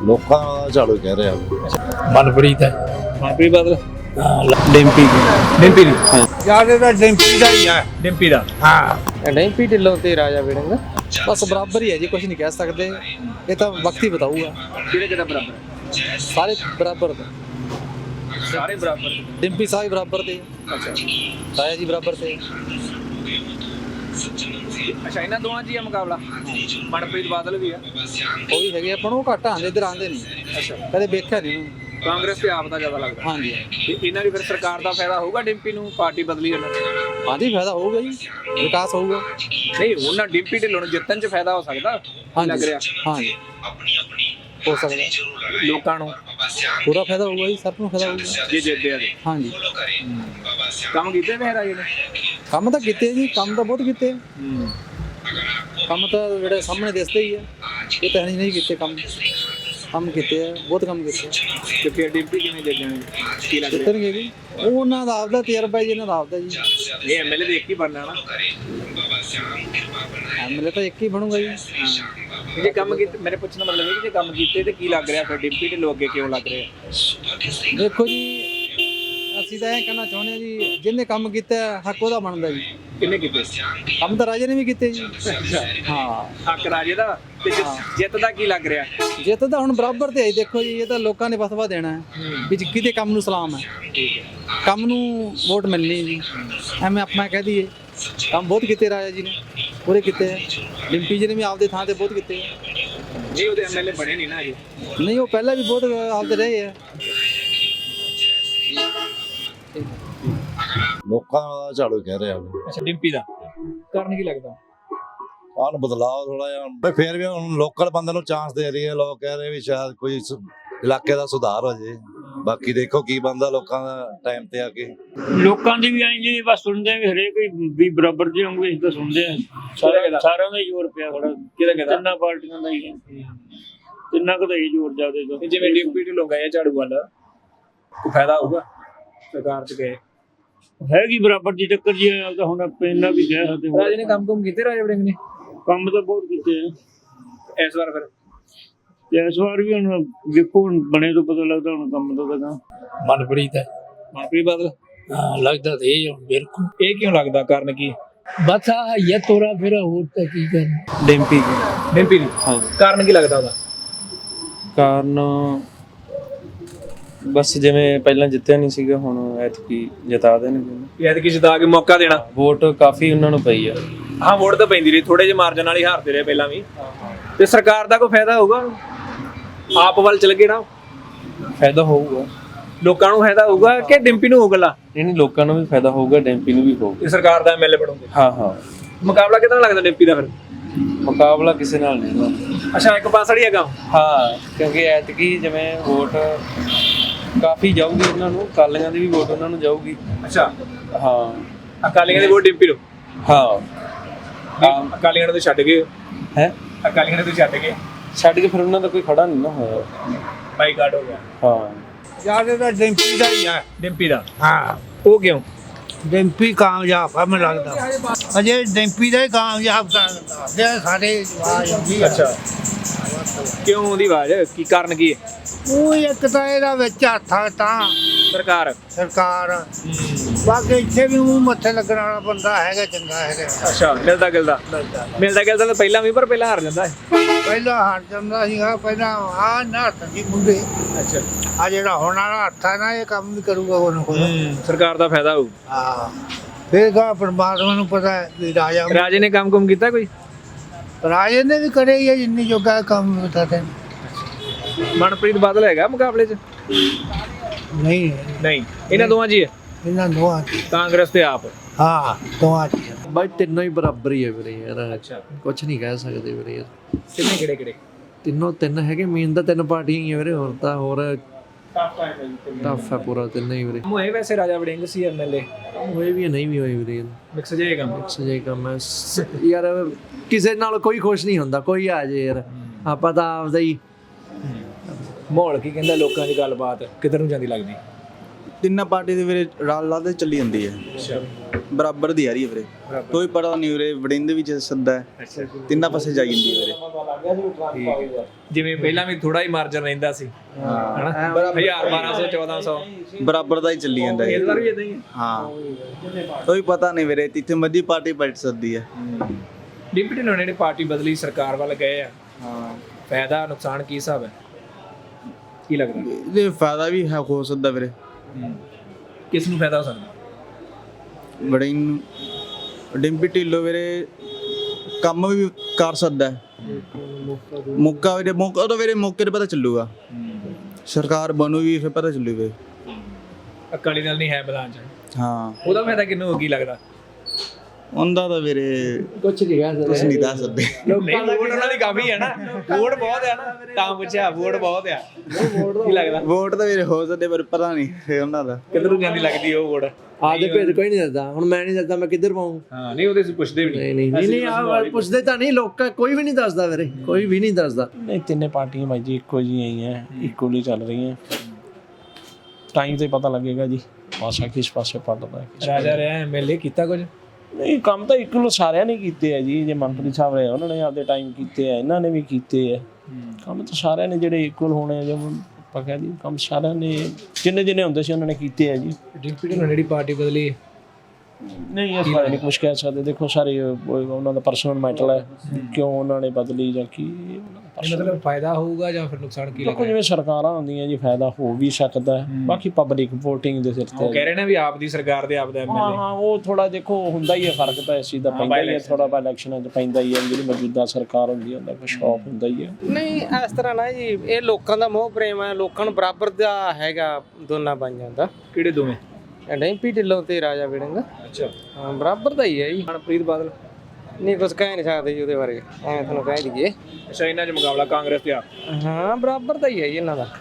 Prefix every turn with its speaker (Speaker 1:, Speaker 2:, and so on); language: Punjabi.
Speaker 1: ਲੋਕਾਂ ਦਾ ਝਾੜੂ ਕਹਿ ਰਿਹਾ
Speaker 2: ਮਨਪ੍ਰੀਤ ਹੈ।
Speaker 3: ਮਨਪ੍ਰੀਤ ਬਾਦਲ
Speaker 2: ਡਿੰਪੀ
Speaker 3: ਡਿੰਪੀ ਦੀ
Speaker 2: ਜਿਆਦਾ ਤਾਂ ਡਿੰਪੀ ਦਾ ਹੀ ਹੈ।
Speaker 3: ਡਿੰਪੀ ਦਾ
Speaker 2: ਹਾਂ
Speaker 3: ਡਿੰਪੀ ਢਿੱਲੋਂ ਤੇ ਰਾਜਾ ਵੜਿੰਗ
Speaker 4: बस बराबर ही है जी, कुछ नहीं कह सकते, ये तो वक्त ही बताऊगा।
Speaker 3: ਕਿਹੜਾ ਬਰਾਬਰ
Speaker 4: सारे बराबर थे,
Speaker 3: ਸਾਰੇ ਬਰਾਬਰ
Speaker 4: डिम्पी साहब बराबर थे,
Speaker 3: ਅੱਛਾ
Speaker 4: राजा जी बराबर थे।
Speaker 3: ਅੱਛਾ ਇਹਨਾਂ ਦੋਵਾਂ 'ਚ ਹੀ ਆ ਮੁਕਾਬਲਾ ਮਨਪ੍ਰੀਤ ਬਾਦਲ ਵੀ ਆ
Speaker 4: वो भी है अपन, वो घट आते इधर आते नहीं,
Speaker 3: ਅੱਛਾ
Speaker 4: कदे देखा नहीं उन्होंने।
Speaker 3: ਕਾਂਗਰਸ ਤੇ ਆਪ ਦਾ ਜ਼ਿਆਦਾ ਲੱਗਦਾ
Speaker 4: हाँ जी
Speaker 3: ਤੇ ਇਹਨਾਂ ਦੀ ਫਿਰ ਸਰਕਾਰ ਦਾ ਫਾਇਦਾ ਹੋਊਗਾ ਡਿੰਪੀ ਨੂੰ ਪਾਰਟੀ ਬਦਲੀ ਉਹਨਾਂ ਦੀ
Speaker 4: हाँ जी, फायदा होगा जी, विकास होगा।
Speaker 3: ਨਹੀਂ ਉਹਨਾਂ ਡਿੰਪੀ ਢਿੱਲੋਂ ਨੂੰ ਜਿੱਤਣ 'ਚ ਫਾਇਦਾ ਹੋ ਸਕਦਾ
Speaker 4: हाँ
Speaker 3: ਲੱਗ
Speaker 4: जी
Speaker 3: ਰਿਹਾ
Speaker 4: हाँ जी, हो सकता है,
Speaker 3: ਲੋਕਾਂ ਨੂੰ
Speaker 4: पूरा फायदा होगा जी, सबको फायदा होगा।
Speaker 3: ਜੇ ਜਿੱਤਦੇ ਆ ਤੇ
Speaker 4: हाँ जी,
Speaker 3: ਕੰਮ ਕੀਤੇ ਵੇ ਰਾਜੇ ਨੇ
Speaker 4: ਕੰਮ ਤਾਂ ਕੀਤੇ ਜੀ, ਕੰਮ ਤਾਂ ਬਹੁਤ ਕੀਤੇ, ਕੰਮ ਤਾਂ ਜਿਹੜੇ ਸਾਹਮਣੇ ਦਿਸਦੇ ਹੀ ਹੈ, ਇਹ ਤਾਂ ਨਹੀਂ ਕੀਤੇ ਕੰਮ, ਕੰਮ ਕੀਤੇ ਆ, ਬਹੁਤ ਕੰਮ ਕੀਤੇ
Speaker 3: ਤੇ ਫਿਰ ਡਿੰਪੀ ਕਿਵੇਂ ਜਿੱਤਣਗੇ ਕੀ ਲੱਗ ਰਿਹਾ
Speaker 4: ਜਿੱਤਣਗੇ ਜੀ, ਉਹ ਉਹਨਾਂ ਦਾ ਆਪਦਾ ਤਜਰਬਾ ਜੀ, ਇਹਨਾਂ ਦਾ ਆਪਦਾ ਜੀ।
Speaker 3: ਇਹ ਐਮਐਲਏ ਦੇ ਇੱਕ ਹੀ ਬਣਨਾ ਨਾ
Speaker 4: ਐਮਐਲਏ ਤਾਂ ਇੱਕ ਹੀ ਬਣੂਗਾ ਜੀ।
Speaker 3: ਜੇ ਕੰਮ ਕੀਤੇ, ਮੇਰੇ ਪੁੱਛਣ ਦਾ ਮਤਲਬ ਇਹ ਕਿ ਜੇ ਕੰਮ ਕੀਤੇ ਤੇ ਕੀ ਲੱਗ ਰਿਹਾ ਫਿਰ ਡਿੰਪੀ ਢਿੱਲੋਂ ਅੱਗੇ ਕਿਉਂ ਲੱਗ ਰਿਹਾ
Speaker 4: ਦੇਖੋ ਜੀ, ਅਸੀਂ ਤਾਂ ਇਹ ਕਹਿਣਾ ਚਾਹੁੰਦੇ ਹਾਂ ਜੀ, ਜਿਹਨੇ ਕੰਮ ਕੀਤਾ ਹੱਕ ਉਹਦਾ ਬਣਦਾ ਜੀ।
Speaker 3: ਕਿੰਨੇ ਕੀਤੇ
Speaker 4: ਕੰਮ ਤਾਂ ਰਾਜੇ ਨੇ ਵੀ ਕੀਤੇ ਜੀ। ਹਾਂ,
Speaker 3: ਹੱਕ ਰਾਜੇ ਦਾ ਤੇ ਜਿੱਤ ਦਾ ਕੀ ਲੱਗ ਰਿਹਾ
Speaker 4: ਜਿੱਤ ਤਾਂ ਹੁਣ ਬਰਾਬਰ ਤੇ ਹੈ ਜੀ। ਦੇਖੋ ਜੀ, ਇਹ ਤਾਂ ਲੋਕਾਂ ਨੇ ਫਤਵਾ ਦੇਣਾ ਹੈ ਵੀ ਕਿਤੇ ਕੰਮ ਨੂੰ ਸਲਾਮ ਹੈ, ਕੰਮ ਨੂੰ ਵੋਟ ਮਿਲਣੀ ਜੀ। ਐਵੇਂ ਆਪਣਾ ਕਹਿ ਦਈਏ, ਕੰਮ ਬਹੁਤ ਕੀਤੇ ਰਾਜਾ ਜੀ ਨੇ, ਪੂਰੇ ਕੀਤੇ ਹੈ। ਡਿੰਪੀ ਜੀ ਨੇ ਵੀ ਆਪਦੇ ਥਾਂ ਤੇ ਬਹੁਤ ਕੀਤੇ ਹੈ।
Speaker 3: ਨਹੀਂ ਉਹਦੇ ਐਮਐਲਏ ਬਣੇ ਨਹੀਂ ਨਾ ਅਜੇ
Speaker 4: ਨਹੀਂ, ਉਹ ਪਹਿਲਾਂ ਵੀ ਬਹੁਤ ਆਪਦੇ ਰਹੇ ਹੈ।
Speaker 1: ਲੋਕਾਂ ਦਾ ਝਾੜੂ ਕਹਿ ਰਿਹਾ
Speaker 3: ਅੱਛਾ ਡਿੰਪੀ ਦਾ ਕਾਰਨ ਕੀ ਲੱਗਦਾ
Speaker 1: ਆਨ ਬਦਲਾਅ ਥੋੜਾ ਜਿਹਾ ਬਈ, ਫੇਰ ਵੀ ਹੁਣ ਲੋਕਲ ਬੰਦੇ ਨੂੰ ਚਾਂਸ ਦੇ ਰਹੀ ਹੈ। ਲੋਕ ਕਹਿ ਰਹੇ ਵੀ ਸ਼ਾਇਦ ਕੋਈ ਇਲਾਕੇ ਦਾ ਸੁਧਾਰ ਹੋ ਜੇ, ਬਾਕੀ ਦੇਖੋ ਕੀ ਬੰਦਾ ਲੋਕਾਂ ਦਾ ਟਾਈਮ ਤੇ ਆ ਕੇ।
Speaker 5: ਲੋਕਾਂ ਦੀ ਵੀ ਆਈ ਜੀ ਬਸ ਸੁਣਦੇ ਆ ਵੀ ਹਰੇਕ ਵੀ ਬਰਾਬਰ ਜਿਹੇ ਹੋਣਗੇ, ਅਸੀਂ ਤਾਂ ਸੁਣਦੇ ਆ ਸਾਰਿਆਂ ਦਾ ਹੀ ਜ਼ੋਰ ਪਿਆ ਥੋੜਾ, ਤਿੰਨਾਂ ਪਾਰਟੀਆਂ ਦਾ ਹੀ ਤਿੰਨਾਂ ਕੁ ਦਾ ਹੀ ਜ਼ੋਰ ਜ਼ਿਆਦਾ।
Speaker 3: ਜਿਵੇਂ ਡਿੰਪੀ ਢਿੱਲੋਂ ਗਏ ਝਾੜੂ ਵੱਲ ਕੋਈ ਫਾਇਦਾ ਹੋਊਗਾ ਸਰਕਾਰ 'ਚ ਗਏ
Speaker 5: ਹੈਗੀ ਬਰਾਬਰ ਦੀ ਟੱਕਰ ਜੀ, ਤਾਂ ਹੁਣ ਆਪਾਂ ਇੰਨਾ ਵੀ ਕਹਿ ਸਕਦੇ ਹਾਂ।
Speaker 3: ਰਾਜੇ ਨੇ ਕੰਮ ਕੀਤੇ ਰਾਜੇ ਵੜਿੰਗ ਨੇ
Speaker 5: ਕੰਮ ਤਾਂ ਬਹੁਤ ਕੀਤੇ ਆ
Speaker 3: ਇਸ ਵਾਰ ਫਿਰ
Speaker 5: ਤੇ ਇਸ ਵਾਰ ਵੀ ਹੁਣ ਵੇਖੋ, ਹੁਣ ਬਣੇ ਤੋਂ ਪਤਾ ਲੱਗਦਾ ਹੁਣ ਕੰਮ ਦਾ ਤਾਂ।
Speaker 2: ਮਨਪ੍ਰੀਤ ਹੈ।
Speaker 3: ਮਨਪ੍ਰੀਤ ਬਾਦਲ
Speaker 2: ਹਾਂ, ਲੱਗਦਾ ਤੇ ਇਹ ਬਿਲਕੁਲ
Speaker 3: ਇਹ ਕਿਉਂ ਲੱਗਦਾ ਕਾਰਨ ਕੀ
Speaker 2: ਬਸ ਆ ਇਹ ਤੋਰਾ ਫੇਰਾ ਹੋਰ ਤਾਂ ਕੀ ਕਰਨਾ।
Speaker 4: ਡਿੰਪੀ
Speaker 3: ਡਿੰਪੀ ਦੀ ਕਾਰਨ ਕੀ ਲੱਗਦਾ ਉਹਦਾ
Speaker 6: ਕਾਰਨ ਬਸ ਜਿਵੇਂ ਪਹਿਲਾਂ ਜਿੱਤਿਆ ਨਹੀਂ ਸੀਗਾ, ਹੁਣ ਐਤਕੀ ਜਿਤਾ ਦੇਣਗੇ।
Speaker 3: ਐਤਕੀ ਜਿਤਾ ਕੇ ਮੌਕਾ ਦੇਣਾ,
Speaker 6: ਵੋਟ ਕਾਫੀ ਉਹਨਾਂ ਨੂੰ ਪਈ ਆ।
Speaker 3: ਹਾਂ ਵੋਟ ਤਾਂ ਪੈਂਦੀ ਰਹੀ, ਥੋੜੇ ਜਿਹੇ ਮਾਰਜਨ ਨਾਲ ਹੀ ਹਾਰਦੇ ਰਹੇ ਪਹਿਲਾਂ ਵੀ। ਤੇ ਸਰਕਾਰ ਦਾ ਕੋਈ ਫਾਇਦਾ ਹੋਊਗਾ, ਆਪ ਵੱਲ ਚਲ ਗਏ ਨਾ,
Speaker 6: ਫਾਇਦਾ ਹੋਊਗਾ,
Speaker 3: ਲੋਕਾਂ ਨੂੰ ਫਾਇਦਾ ਹੋਊਗਾ ਕਿ ਡਿੰਪੀ ਨੂੰ ਹੋਊਗਾ?
Speaker 6: ਨਹੀਂ ਲੋਕਾਂ ਨੂੰ ਵੀ ਫਾਇਦਾ ਹੋਊਗਾ, ਡੈਂਪੀ ਨੂੰ ਵੀ ਹੋਊਗਾ।
Speaker 3: ਤੇ ਸਰਕਾਰ ਦਾ ਐਮਐਲਏ ਬਣੋਗੇ?
Speaker 6: ਹਾਂ ਹਾਂ,
Speaker 3: ਮੁਕਾਬਲਾ ਕਿਦਾਂ ਲੱਗਦਾ ਡਿੰਪੀ ਦਾ ਫਿਰ?
Speaker 6: ਮੁਕਾਬਲਾ ਕਿਸੇ ਨਾਲ ਨਹੀਂ।
Speaker 3: ਅੱਛਾ ਇੱਕ ਪਾਸੜੀ ਹੈਗਾ।
Speaker 6: ਹਾਂ, ਕਿਉਂਕਿ ਐਤਕੀ ਜਿਵੇਂ ਵੋਟ ਕਾਫੀ ਜਾਊਗੀ ਉਹਨਾਂ ਨੂੰ, ਅਕਾਲੀਆਂ ਦੀ ਵੀ ਵੋਟ ਉਹਨਾਂ ਨੂੰ ਜਾਊਗੀ।
Speaker 3: ਅੱਛਾ
Speaker 6: ਹਾਂ,
Speaker 3: ਅਕਾਲੀਆਂ ਦੀ ਵੋਟ ਡਿੰਪੀ ਨੂੰ?
Speaker 6: ਹਾਂ,
Speaker 3: ਅਕਾਲੀਆਂ ਨੂੰ ਛੱਡ ਗਏ
Speaker 6: ਹੈ
Speaker 3: ਅਕਾਲੀਆਂ ਨੂੰ ਛੱਡ ਗਏ,
Speaker 6: ਛੱਡ ਕੇ ਫਿਰ ਉਹਨਾਂ ਦਾ ਕੋਈ ਖੜਾ ਨਹੀਂ ਨਾ ਹੋਇਆ।
Speaker 3: ਬਾਈਕਾਟ ਹੋ ਗਿਆ।
Speaker 6: ਹਾਂ,
Speaker 2: ਜਿਆਦਾ ਤਾਂ ਡਿੰਪੀ ਦਾ ਹੀ ਹੈ।
Speaker 3: ਡਿੰਪੀ ਦਾ
Speaker 2: ਹਾਂ,
Speaker 3: ਉਹ ਕਿਉਂ?
Speaker 2: ਡਿੰਪੀ ਕਾਮਯਾਬ ਆ ਮੈਨੂੰ ਲੱਗਦਾ, ਅਜੇ ਡਿੰਪੀ ਦਾ ਹੀ ਕਾਮਯਾਬ ਕਰਦਾ ਸਾਰੇ ਆਵਾਜ਼ ਆਉਂਦੀ ਆ।
Speaker 3: ਅੱਛਾ ਕਿਉਂ ਉਹਦੀ ਆਵਾਜ਼ ਕੀ ਕਾਰਨ ਕੀ ਹੈ?
Speaker 2: ਉਹ ਇੱਕ ਤਾਂ ਇਹਦਾ ਵਿੱਚ ਹੱਥ ਆ ਤਾਂ
Speaker 3: ਸਰਕਾਰ
Speaker 2: ਸਰਕਾਰ, ਬਾਕੀ ਇੱਥੇ ਵੀ ਉਹ ਮੱਥੇ ਲੱਗਣ ਵਾਲਾ ਬੰਦਾ ਹੈਗਾ, ਚੰਗਾ ਹੈਗਾ।
Speaker 3: ਅੱਛਾ ਮਿਲਦਾ ਗਿਲਦਾ ਤਾਂ ਪਹਿਲਾਂ ਵੀ, ਪਰ ਪਹਿਲਾਂ ਹਾਰ ਜਾਂਦਾ ਹੈ।
Speaker 2: ਪਹਿਲਾਂ ਹਾਰ ਜਾਂਦਾ ਸੀਗਾ, ਪਹਿਲਾਂ ਆ ਨਾ ਹੱਥ ਸੀ ਮੁੰਡੇ।
Speaker 3: ਅੱਛਾ
Speaker 2: ਆ ਜਿਹੜਾ ਹੁਣ ਵਾਲਾ ਹੱਥ ਆ ਨਾ, ਇਹ ਕੰਮ ਵੀ ਕਰੂਗਾ ਕੋਈ ਨਾ ਕੋਈ।
Speaker 3: ਸਰਕਾਰ ਦਾ ਫਾਇਦਾ ਹੋਊ।
Speaker 2: ਹਾਂ, ਫਿਰ ਗਾ ਪਰਮਾਤਮਾ ਨੂੰ ਪਤਾ ਹੈ ਵੀ
Speaker 3: ਰਾਜੇ ਨੇ ਕੰਮ ਕੀਤਾ ਕੋਈ?
Speaker 2: ਰਾਜੇ ਨੇ ਵੀ ਕਰੇ ਹੀ ਆ ਜਿੰਨੀ ਜੋਗਾ ਕੰਮ ਬਤਾ ਤੇ।
Speaker 3: ਮਨਪ੍ਰੀਤ ਬਾਦਲ ਹੈਗਾ ਮੁਕਾਬਲੇ 'ਚ?
Speaker 2: ਨਹੀਂ
Speaker 3: ਨਹੀਂ, ਇਹਨਾਂ ਦੋਵਾਂ 'ਚ ਹੀ ਹੈ,
Speaker 2: ਇਹਨਾਂ ਦੋਹਾਂ ਚ।
Speaker 3: ਕਾਂਗਰਸ ਤੇ ਆਪ।
Speaker 2: ਹਾਂ ਦੋਹਾਂ ਚ।
Speaker 7: ਬਾਈ ਤਿੰਨੋਂ ਹੀ ਬਰਾਬਰ ਹੀ ਹੈ ਵੀਰੇ ਯਾਰ,
Speaker 3: ਅੱਛਾ
Speaker 7: ਕੁਝ ਨਹੀਂ ਕਹਿ ਸਕਦੇ ਵੀਰੇ ਯਾਰ।
Speaker 3: ਕਿੰਨੇ ਕਿਹੜੇ
Speaker 7: ਤਿੰਨੋਂ ਤਿੰਨ ਹੈਗੇ, ਮੇਨ ਤਾਂ ਤਿੰਨ ਪਾਰਟੀਆਂ ਹੀ ਆ ਵੀਰੇ, ਹੋਰ ਤਾਂ ਹੋਰ ਟਫ ਹੈ ਪੂਰਾ ਤਿੰਨੇ ਹੀ ਵੀਰੇ।
Speaker 3: ਹੋਏ ਵੈਸੇ ਰਾਜਾ ਵੜਿੰਗ ਸੀ ਐਮਐਲਏ,
Speaker 7: ਹੋਏ ਵੀ ਨਹੀਂ ਵੀ ਹੋਏ ਵੀਰੇ,
Speaker 3: ਮਿਕਸ ਜੇ ਕੰਮ।
Speaker 7: ਸਜੇ ਕੰਮ ਹੈ ਯਾਰ, ਕਿਸੇ ਨਾਲ ਕੋਈ ਖੁਸ਼ ਨਹੀਂ ਹੁੰਦਾ, ਕੋਈ ਆ ਜੇ ਯਾਰ, ਆਪਾਂ ਤਾਂ ਆਪਦਾ ਹੀ।
Speaker 3: ਮਾਹੌਲ ਕੀ ਕਹਿੰਦਾ ਲੋਕਾਂ ਦੀ ਗੱਲਬਾਤ ਕਿੱਧਰ ਨੂੰ ਜਾਂਦੀ ਲੱਗਦੀ?
Speaker 8: ਤਿੰਨਾਂ ਪਾਰਟੀ ਦੇ ਵੀਰੇ ਰਾਲ ਲਾ ਤੇ ਚੱਲੀ ਜਾਂਦੀ ਹੈ ਬਰਾਬਰ ਦੀ ਆ ਰਹੀ ਹੈ ਵੀਰੇ ਕੋਈ ਪਤਾ ਨਹੀਂ ਵੀਰੇ ਵੜਿੰਦ ਵਿੱਚ ਸੱਦਾ ਹੈ ਤਿੰਨਾਂ ਪਾਸੇ ਜਾਈ ਜਾਂਦੀ ਹੈ ਵੀਰੇ
Speaker 3: ਜਿਵੇਂ ਪਹਿਲਾਂ ਵੀ ਥੋੜਾ ਹੀ ਮਾਰਜਨ ਰਹਿੰਦਾ ਸੀ ਹਨਾ 1000 1200 1400
Speaker 8: ਬਰਾਬਰ ਦਾ ਹੀ ਚੱਲੀ ਜਾਂਦਾ
Speaker 3: ਇਸ
Speaker 8: ਹੈ
Speaker 3: ਵਾਰ ਵੀ ਇਦਾਂ ਹੀ ਹੈ।
Speaker 8: ਹਾਂ ਕੋਈ ਪਤਾ ਨਹੀਂ ਵੀਰੇ ਜਿੱਥੇ ਮਰਜ਼ੀ ਪਾਰਟੀ ਪਲਟ ਸਕਦੀ ਹੈ
Speaker 3: ਡਿਪਟੀ ਢਿੱਲੋਂ ਨੇ ਪਾਰਟੀ ਬਦਲੀ ਸਰਕਾਰ ਵੱਲ ਗਏ ਆ
Speaker 8: ਹਾਂ
Speaker 3: ਫਾਇਦਾ ਨੁਕਸਾਨ ਕੀ ਹਿਸਾਬ ਹੈ ਕੀ ਲੱਗਦਾ
Speaker 8: ਇਹਦੇ ਫਾਇਦਾ ਵੀ ਹੈ ਹੋ ਸਕਦਾ ਵੀਰੇ
Speaker 3: ਕਿਸ ਨੂੰ ਫਾਇਦਾ ਹੋ ਸਕਦਾ
Speaker 8: ਵੜਿੰਗ ਡਿੰਪੀ ਢਿੱਲੋਂ ਵੀਰੇ ਕੰਮ ਵੀ ਕਰ ਸਕਦਾ ਹੈ ਮੌਕਾ ਤਾਂ ਵੀਰੇ ਮੌਕੇ ਤੇ ਪਤਾ ਚੱਲੂਗਾ ਸਰਕਾਰ ਬਣੂਗੀ ਫਿਰ ਪਤਾ ਚੱਲੂਗਾ
Speaker 3: ਅਕਾਲੀ ਦਲ ਨਹੀਂ ਹੈ ਮੈਦਾਨ 'ਚ
Speaker 8: ਹਾਂ
Speaker 3: ਉਹਦਾ ਫਾਇਦਾ ਕਿਹਨੂੰ ਹੋ ਕੀ ਲੱਗਦਾ
Speaker 8: ਉਹਦਾ ਤਾਂ ਵੀਰੇ
Speaker 7: ਕੁਛ ਨਹੀਂ ਕਹਿ
Speaker 8: ਕੁਛ ਨਹੀਂ ਦੱਸ ਸਕਦੇ
Speaker 3: ਨਹੀਂ ਵੋਟ ਉਹਨਾਂ ਦੀ ਕਾਫੀ ਹੈ ਨਾ ਵੋਟ ਬਹੁਤ ਹੈ ਨਾ ਤਾਂ ਪੁੱਛਿਆ ਵੋਟ ਬਹੁਤ ਆ ਕੀ ਲੱਗਦਾ
Speaker 8: ਵੋਟ ਤਾਂ ਵੀਰੇ ਹੋ ਸਕਦੇ ਪਰ ਪਤਾ ਨਹੀਂ ਫਿਰ ਉਹਨਾਂ ਦਾ
Speaker 3: ਕਿੱਧਰ ਨੂੰ ਜਾਂਦੀ ਲੱਗਦੀ ਉਹ ਵੋਟ
Speaker 7: ਆਪਦੇ ਭੇਦ ਕੋਈ ਨਹੀਂ ਦੱਸਦਾ ਹੁਣ ਮੈਂ ਨਹੀਂ ਦੱਸਦਾ ਮੈਂ ਕਿੱਧਰ ਪਾऊं
Speaker 3: ਹਾਂ ਨਹੀਂ ਉਹਦੇ ਪੁੱਛਦੇ ਵੀ
Speaker 7: ਨਹੀਂ ਆ ਪੁੱਛਦੇ ਤਾਂ ਨਹੀਂ ਲੋਕ ਕੋਈ ਵੀ ਨਹੀਂ ਦੱਸਦਾ ਵੀਰੇ ਕੋਈ ਵੀ ਨਹੀਂ ਦੱਸਦਾ
Speaker 9: ਨਹੀਂ ਤਿੰਨੇ ਪਾਰਟੀਆਂ ਬਾਈ ਜੀ ਇੱਕੋ ਜਿਹੀਆਂ ਹੀ ਹੈ ਇਕੁਅਲੀ ਚੱਲ ਰਹੀਆਂ ਟਾਈਮ ਤੇ ਪਤਾ ਲੱਗੇਗਾ ਜੀ ਪਾਸਾ ਕਿਸ ਪਾਸੇ ਪੜਦਾ ਹੈ
Speaker 3: ਰਾਜਾ ਰਿਹਾ ਐਮਐਲਏ ਕੀਤਾ ਕੁਝ
Speaker 9: ਨਹੀਂ ਕੰਮ ਤਾਂ ਇਕੁਅਲ ਸਾਰਿਆਂ ਨੇ ਕੀਤੇ ਆ ਜੀ ਜੇ ਮੰਤਰੀ ਸਾਹਿਬ ਰਹੇ ਉਹਨਾਂ ਨੇ ਆਪਦੇ ਟਾਈਮ ਕੀਤੇ ਆ ਇਹਨਾਂ ਨੇ ਵੀ ਕੀਤੇ ਆ ਕੰਮ ਤਾਂ ਸਾਰਿਆਂ ਨੇ ਜਿਹੜੇ ਇਕੁਅਲ ਹੋਣੇ ਆ ਜਿਵੇਂ ਆਪਾਂ ਕਹਿ ਦਈਏ ਕੰਮ ਸਾਰਿਆਂ ਨੇ ਜਿੰਨੇ ਹੁੰਦੇ ਸੀ ਉਹਨਾਂ ਨੇ ਕੀਤੇ ਆ ਜੀ
Speaker 3: ਡਿਪਟੀ ਢਿੱਲੋਂ ਜਿਹੜੀ ਪਾਰਟੀ ਬਦਲੀ
Speaker 9: ਨਹੀਂ ਇਸ ਬਾਰੇ ਨਹੀਂ ਕੁਝ ਕਹਿ ਸਕਦੇ ਦੇਖੋ ਸਾਰੇ ਉਹਨਾਂ ਦਾ ਪਰਸਨਲ ਮੈਟਰ ਹੈ ਕਿਉਂ ਉਹਨਾਂ ਨੇ ਬਦਲੀ ਜਾਂ ਕੀ
Speaker 3: ਮਤਲਬ ਫਾਇਦਾ ਹੋਊਗਾ ਜਾਂ ਫਿਰ ਨੁਕਸਾਨ ਕੀ
Speaker 9: ਦੇਖੋ ਜਿਵੇਂ ਸਰਕਾਰਾਂ ਹੁੰਦੀਆਂ ਜੀ ਫਾਇਦਾ ਹੋ ਵੀ ਸਕਦਾ ਹੈ ਬਾਕੀ ਪਬਲਿਕ ਵੋਟਿੰਗ ਦੇ ਸਿਰ ਤੇ
Speaker 3: ਉਹ ਕਹਿ ਰਹੇ ਨੇ ਵੀ ਆਪ ਦੀ ਸਰਕਾਰ ਦੇ ਆਪ ਦਾ ਐਮਐਲਏ
Speaker 9: ਹਾਂ ਉਹ ਥੋੜਾ ਦੇਖੋ ਹੁੰਦਾ ਹੀ ਹੈ ਫਰਕ ਤਾਂ ਇਸ ਚੀਜ਼ ਦਾ ਪੈਂਦਾ ਹੀ ਹੈ ਥੋੜਾ ਬਾ ਇਲੈਕਸ਼ਨਾਂ 'ਚ ਪੈਂਦਾ ਹੀ ਹੈ ਜਿਹੜੀ ਮੌਜੂਦਾ ਸਰਕਾਰ ਹੁੰਦੀ ਹੈ ਉਹਦਾ ਕੁਛ ਸ਼ੌਕ ਹੁੰਦਾ ਹੀ ਹੈ
Speaker 6: ਨਹੀਂ ਇਸ ਤਰ੍ਹਾਂ ਨਾ ਜੀ ਇਹ ਲੋਕਾਂ ਦਾ ਮੋਹ ਪ੍ਰੇਮ ਹੈ ਲੋਕਾਂ ਨੂੰ ਬਰਾਬਰ ਦਾ ਹੈਗਾ ਦੋਨਾਂ ਬਾਈਆਂ ਦਾ
Speaker 3: ਕਿਹੜੇ ਦੋਵੇਂ
Speaker 6: ਡਿੰਪੀ ਢਿੱਲੋਂ ਤੇ ਰਾਜਾ ਵੜਿੰਗ
Speaker 3: ਅੱਛਾ
Speaker 6: ਹਾਂ ਬਰਾਬਰ ਦਾ ਹੀ ਹੈ ਜੀ
Speaker 3: ਮਨਪ੍ਰੀਤ ਬਾਦਲ
Speaker 6: ਨਹੀਂ ਕੁਝ ਕਹਿ ਨਹੀਂ ਸਕਦੇ ਜੀ ਉਹਦੇ ਬਾਰੇ ਐਵੇਂ ਤੁਹਾਨੂੰ ਕਹਿ ਦਈਏ
Speaker 3: ਅੱਛਾ ਇਹਨਾਂ 'ਚ ਮੁਕਾਬਲਾ ਕਾਂਗਰਸ ਤੇ ਆਪ
Speaker 6: ਹਾਂ ਬਰਾਬਰ ਦਾ ਹੀ ਹੈ ਜੀ ਇਹਨਾਂ ਦਾ